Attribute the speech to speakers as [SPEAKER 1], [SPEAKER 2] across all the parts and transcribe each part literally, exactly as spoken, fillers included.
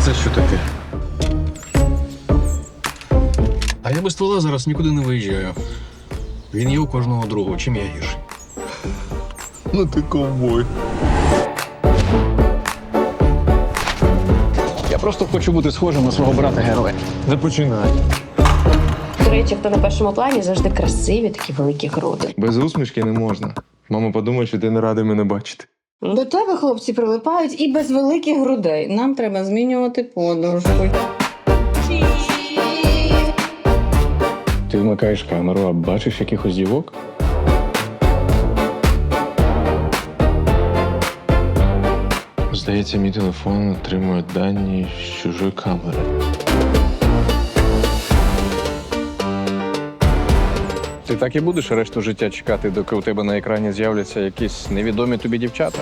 [SPEAKER 1] Це що таке? А я без ствола зараз нікуди не виїжджаю. Він є у кожного другого, чим я гірший.
[SPEAKER 2] Ну ти ковбой.
[SPEAKER 1] Я просто хочу бути схожим на свого брата-героя.
[SPEAKER 2] Не починай.
[SPEAKER 3] До речі, хто на першому плані завжди красиві, такі великі груди.
[SPEAKER 2] Без усмішки не можна. Мама подумає, що ти не радий мене бачити.
[SPEAKER 3] До тебе хлопці прилипають і без великих грудей. Нам треба змінювати подушку.
[SPEAKER 1] Ти вмикаєш камеру, а бачиш якихось дівок?
[SPEAKER 2] Здається, мій телефон отримує дані з чужої камери.
[SPEAKER 1] Ти так і будеш решту життя чекати, доки у тебе на екрані з'являться якісь невідомі тобі дівчата?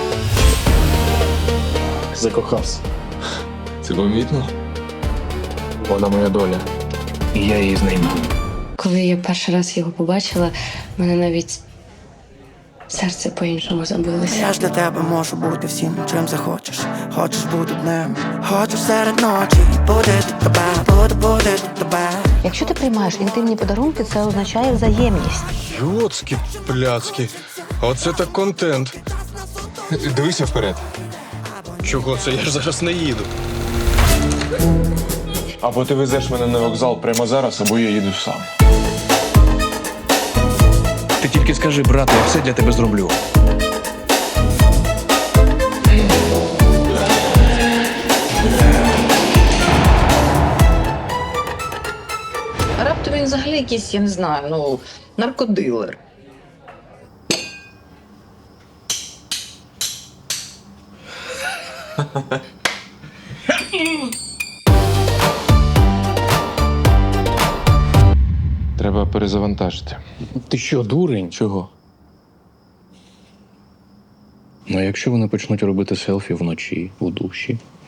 [SPEAKER 1] Закохався.
[SPEAKER 2] Це помітно?
[SPEAKER 1] Вона моя доля. І я її знайду.
[SPEAKER 3] Коли я перший раз його побачила, в мене навіть серце по-іншому забилося.
[SPEAKER 4] Я ж для тебе можу бути всім, чим захочеш. Хочеш бути днем, хочеш серед ночі. Буде тебе, буду бути тебе.
[SPEAKER 5] Якщо ти приймаєш інтимні подарунки, це означає взаємність.
[SPEAKER 1] Йоцькі пляцки. Оце так контент.
[SPEAKER 2] Дивися вперед.
[SPEAKER 1] Чого це? Я ж зараз не їду.
[SPEAKER 2] Або ти везеш мене на вокзал прямо зараз, або я їду сам.
[SPEAKER 1] Ти тільки скажи, брате, я все для тебе зроблю.
[SPEAKER 6] Раптом він взагалі якийсь, я не знаю, ну, наркодилер.
[SPEAKER 2] Треба перезавантажити.
[SPEAKER 1] Ти що, дурень?
[SPEAKER 2] Чого?
[SPEAKER 1] Ну, а якщо вони почнуть робити селфі вночі, у душі?